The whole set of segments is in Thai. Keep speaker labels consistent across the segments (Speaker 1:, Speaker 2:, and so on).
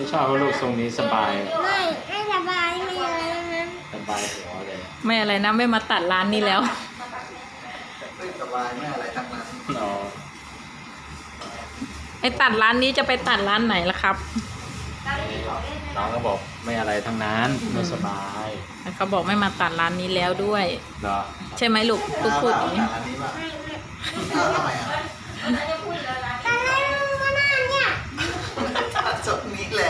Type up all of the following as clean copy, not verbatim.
Speaker 1: ชอบว่าลูกทรงนี้สบาย
Speaker 2: ไม่สบายไม่อะไรนะ
Speaker 1: สบายหัวเลย
Speaker 3: ไม่อะไรนะไม่มาตัดร้านนี้แล้ว
Speaker 4: ไม่สบายไม่อะไรทั้งนั้น
Speaker 1: อ๋อ
Speaker 3: ไอ้ตัดร้านนี้จะไปตัดร้านไหนล่ะครับ
Speaker 1: น้องก็บอกไม่อะไรทั้งนั้นไม่สบาย
Speaker 3: เขาบอกไม่มาตัดร้านนี้แล้วด้วย
Speaker 1: เหรอ
Speaker 3: ใช่ไหมลูกพูดอย่างนี้
Speaker 4: อันนี้ป่ะ
Speaker 2: ไม่
Speaker 4: อ้าวทำไมอ่ะ
Speaker 2: ตอนแรกก็น่าเนี่ย
Speaker 4: จบนี้แหละ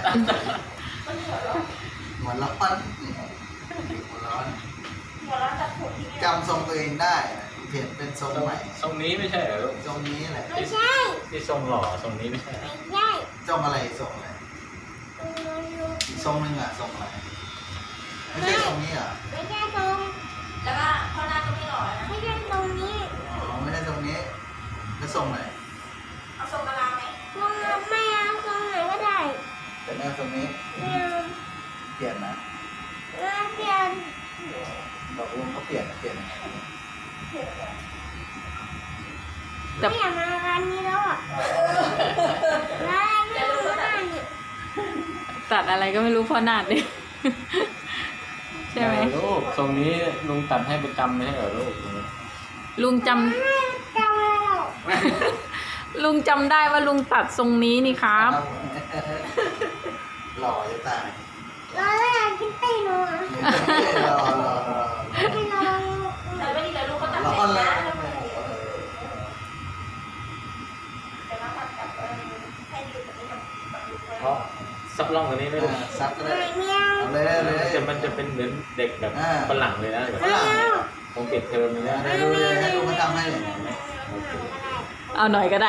Speaker 4: หัวร้อนหัวร้อนจำทรงตัวเองได้เห็นเป็นทรงใหม่
Speaker 1: ทรงนี้ไม่ใช่เหรอลูก
Speaker 4: ทรงนี้แหละ
Speaker 2: ไม่ใช่
Speaker 1: ที่ทรงหล่อทรงนี้ไม่ใช่เหรอ
Speaker 2: ไม่ใช่
Speaker 4: ทรงอะไรทรงอะไรอีกทรงหนึงอ่ะทรงอะไรไม่ใช่ทรงนี้เหรอ
Speaker 2: ไม่ใช่ตรงแล้วก็ข้างหน้าก็ไม่หล่อนะไม่ใช่ตรงนี้
Speaker 4: อ๋อไม่ใช่ทรงนี้แล้วทรงไหน
Speaker 2: เอาทรงกะลาไหมทรงไม่เอาทรงไหนก็ได้
Speaker 4: แต่แม่ทรงนี้
Speaker 2: ไม่เอา
Speaker 4: เปลี่ยนนะ
Speaker 2: เปลี่ยน
Speaker 4: บอกลุงเขาเปลี่ยนยังไง
Speaker 2: ไม่อยากมาร้านนี้แล้วอ่ะร้านไม่รู้ร้านเนี่ย
Speaker 3: ตัดอะไรก็ไม่รู้พ่อนาดเลย ใช่ไหม
Speaker 1: ลูกทรงนี้ลุงตัดให้ประจำไม่ใช่เหรอลูก
Speaker 3: ลุงจ
Speaker 2: ไม่จำอะไรหรอก
Speaker 3: ำลุงจำได้ว่าลุงตัดทรงนี้นี่ครับ
Speaker 4: หล่อจะตาย
Speaker 2: เราเลยอยากกินตีนอ่ะ
Speaker 4: หล่อ
Speaker 2: ไม่ลองแต่ไม่ดีเลยลูกก็ตัด
Speaker 4: ร้อนแล้ว
Speaker 1: เพราะซับล่องตัวนี้ไม่ลูก
Speaker 4: ซับก็ได้
Speaker 2: ไม่เอา
Speaker 4: เอาเลย
Speaker 1: มันจะเป็นเหมือนเด็กแบบฝรั่งเลยนะแบบ
Speaker 4: ฝรั่ง
Speaker 1: คงปิดเทอมเลยนะ
Speaker 4: ได้ดูเลยให้ลุงมาทำให้เลย
Speaker 3: เอาหน่อยก็ได้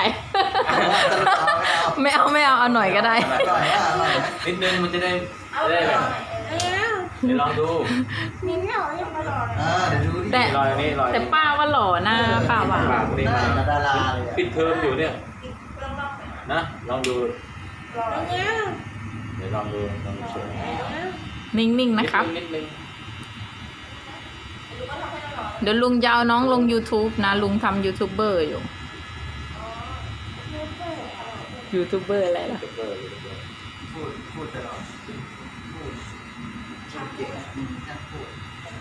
Speaker 4: ไม่เอา
Speaker 3: ไม่เอาเอาหน่อยก็ได้
Speaker 4: อร่อยอ่ะอร่อยนะ
Speaker 1: นิดนึงมันจะได้แบบ
Speaker 2: ไม่เอา
Speaker 1: เดี๋ยวลองดู
Speaker 2: มิ้นหล่อยังไม่หล่อเลย
Speaker 4: เดี๋ยวดูดิ
Speaker 3: แต่
Speaker 1: รอยนี้รอย
Speaker 3: แต่ป้าว่าหล่อหน้าป้าว่า
Speaker 1: ปากนี่มา
Speaker 4: ดาราเลย
Speaker 1: ปิดเทอมอยู่เนี่ยนะลองดู
Speaker 2: ไม่เอา
Speaker 1: เดี๋ยวลองดูเชิญ
Speaker 3: นิ่งๆนะครับ
Speaker 1: นิดนึง
Speaker 3: เดี๋ยวลุงจะเอาน้องลง YouTube นะ ลุงทำยูทูบเบอร์อยู่ ยูทูบเบอร์อะไรล่ะ
Speaker 4: พูดตลอดพูดเก่งช่างพูด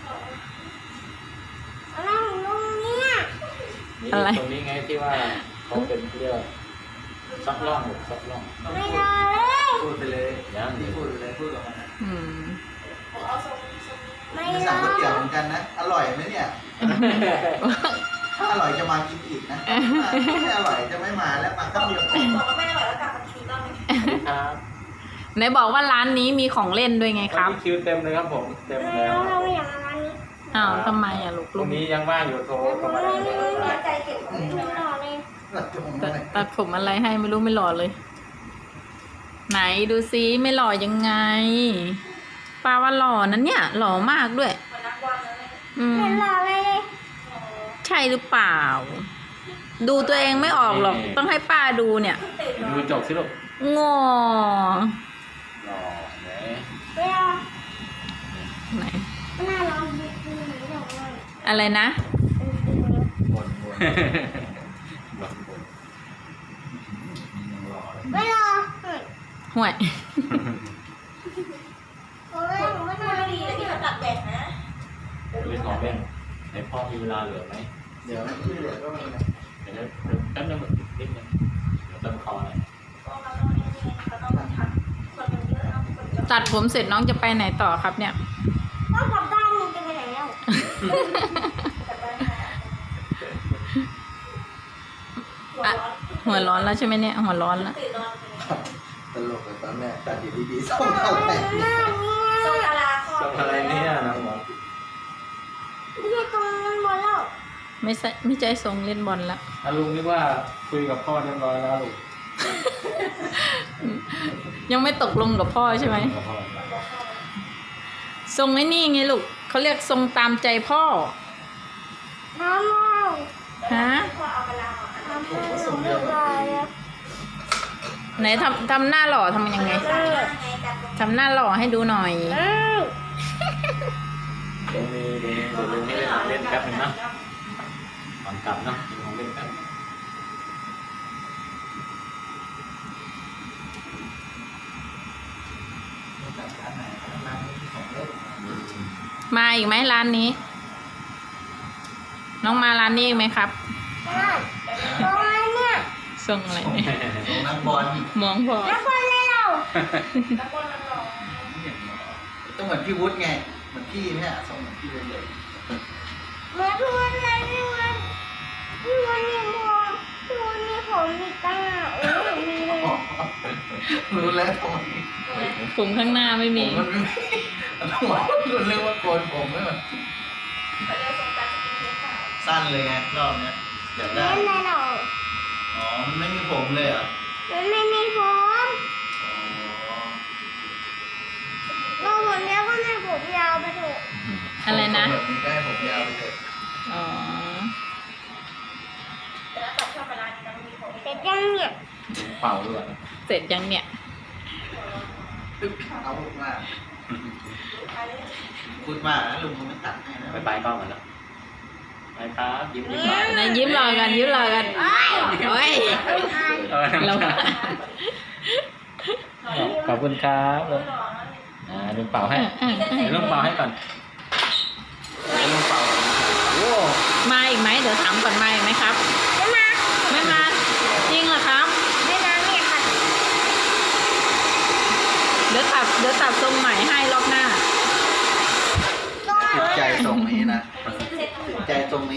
Speaker 2: อะไรของลุงเนี่ย
Speaker 1: นี่
Speaker 3: อะไร
Speaker 1: ตรงนี้ไงที่ว่าเขาเป็นเรียกซับล่องซับล่อง
Speaker 2: ไม่รอเลย
Speaker 4: พูดไปเลย
Speaker 1: ยัง
Speaker 4: นี่พูดไปเลยพูดกับมันนะ
Speaker 3: อืม
Speaker 2: ไม่
Speaker 4: ไม่
Speaker 2: ร
Speaker 4: สั่
Speaker 2: อง
Speaker 4: ก๋วยเตี๋ยวเหมือนกันนะอร่อยไหมเนี่ยถ้าอร่อยจะมากินอีกนะไม่อร่อยจะไม่มาแล้วมาข้าวเดียว
Speaker 2: บอกว่าไม่อร่อยแล้วกลับมากินอีกรอบนึง
Speaker 1: ครับ
Speaker 3: ไหนบอกว่าร้านนี้มีของเล่นด้วยไงครับ
Speaker 1: วันนี้คิวเต็มเลยครับผมเต็ม
Speaker 2: ไม่
Speaker 1: แล้ว
Speaker 2: เอาเราไม่อยากมาร้านนี้
Speaker 3: อ้าวทำไมอ่ะลูก
Speaker 1: พ
Speaker 3: ลุ
Speaker 1: รุ่ง
Speaker 3: ง
Speaker 1: นี้ยังว่างอยู่โทรเข้ามาได้เลย
Speaker 2: ใจเก็บของไม่หล่อเลย
Speaker 3: ตัดผมอะไรให้ไม่รู้ไม่หล่อเลย ไหนดูซิไม่หล่อยังไงป้าว่าหล่อนั้นเนี่ย หล่อมากด้วย
Speaker 2: เหมือนนักบอลเลย
Speaker 3: อืม
Speaker 2: ไม่หล่อเลย
Speaker 3: ใช่หรือเปล่า ดูตัวเองไม่ออกหรอก ต้องให้ป้าดูเนี่ย
Speaker 1: ดูจบสิลูก
Speaker 3: งอ
Speaker 1: รอไหน
Speaker 2: ไม่เอา
Speaker 3: ไหน
Speaker 2: หน้าร้อนดีดีหรือเปล่า
Speaker 3: อะไรนะ
Speaker 4: บ่น
Speaker 2: ไม่รอ
Speaker 3: ห่วย
Speaker 2: โอ้ยผมไม่นอนดีแล้วที่มันตัดแดดนะ
Speaker 1: เล่นของเล่นไหนพ่อมีเวลาเหลือไหม
Speaker 4: เดี๋ยวที่เหลือก็มีนะ
Speaker 1: เดี๋ยวแป๊บนึงนิดนึงเดี๋ยวเติมคอหน่อย
Speaker 3: ตัดผมเสร็จน้องจะไปไหนต่อครับเนี่ย
Speaker 2: ก็กลับบ้านมึงจะไปไหนแล้ว
Speaker 3: อ่ะ หัวร้อนแล้วใช่ไหมเนี่ย หัวร้อนแล้ว
Speaker 4: ตลกเลยตอนแรกตัดอยู่ดีๆส่งเข้าไป
Speaker 2: หน้าเนี่ย
Speaker 1: ส่งอะไรเนี่ยน้องหมอ
Speaker 2: ไม่ใช่ตรงนั้นบนแล้ว
Speaker 3: ไม่ใจทรงเล่นบอลแล้ว
Speaker 1: ลุงนึกว่าคุยกับพ่อเรียบร้อยแล้วลูก
Speaker 3: ยังไม่ตกลงกับพ่อใช่ไหม
Speaker 1: กับพ่อ
Speaker 3: ทรงไอ้นี่ไงลูกเขาเรียกทรงตามใจพ่อ
Speaker 2: น้ำเมา
Speaker 3: ฮะ
Speaker 2: น้ำเมาเรียบร้อยแล้ว
Speaker 3: ไหนทำหน้าหล่อทำยังไงทำหน้าหล่อให้ดูหน่อย
Speaker 1: เดี๋ยวลุงให้เล่นแป๊บนึงนะก่อนกลับนะกินของเล่นแป๊บ
Speaker 3: มาอีกไหมร้านนี้ น้องมาร้านนี้อีกไหมครับ
Speaker 2: ได้ตรงนั้นเนี่ย
Speaker 3: ส่งอะไรเนี่ย
Speaker 4: ของนักบอล
Speaker 3: มองพอ
Speaker 2: แล้วคนเลยเรา
Speaker 4: ต้องเหมือนพี่วุฒิไง เหมือนพี่เนี่ยส่งเหมือนพี่วุฒิเลย
Speaker 2: เหมือนพี่วันเลยพี่วันนี่ผมพี่วันนี่ผมมีตั้งมีเลย
Speaker 4: รู้แล้วทำไม
Speaker 3: ผมข้างหน้าไม่
Speaker 4: ผ
Speaker 3: มี
Speaker 4: มมันไม่ต้องบอกรู้เรื่องว่าโกนผมไม่เหมือนสั้นเลยไงรอบเนี้ยเดี๋ยวได้
Speaker 2: เล่นเลยเรา
Speaker 4: อ๋อ มันไม่มีผมเลยเหรอ
Speaker 2: มันไม่มีผม
Speaker 4: อ๋อ
Speaker 2: เราผมยาวก็ให้ผมยาวไปเถอะ
Speaker 3: อะไรนะ
Speaker 4: แบบนี้ก็ให้ผมยาวไปเถอะ
Speaker 3: อ๋อ
Speaker 2: แต่ยังเนี่ย
Speaker 1: เป่าด้วย
Speaker 3: เสร็จยังเนี่ย
Speaker 4: ตึ๊บเอามากพูดมากนะลุงมันไม่ตัดให้นะ
Speaker 1: ไปกล้องกันแล้วไปครับยิ้มยิ้มหน่อย
Speaker 3: นายยิ้มรอกันยิ้มรอกันโอ้ย เรา
Speaker 1: ขอบคุณครับลุงเป่าให้เดี๋ยวลุงเป่าให้ก่อนเดี๋ยวลุงเป่าโอ้
Speaker 3: มาอีกไหมเดี๋ยวถามก่อนมาอีกไหมครับ
Speaker 2: ไม่มา
Speaker 3: ไม่มา จริงเหรอครับ
Speaker 2: ไม่มาเนี่ยค่ะ
Speaker 3: เดี๋ยวตัดทรงใหม่ให้รอบหน้า
Speaker 2: ต้อง
Speaker 4: ติดใจตรงนี้นะติดใจตรงนี้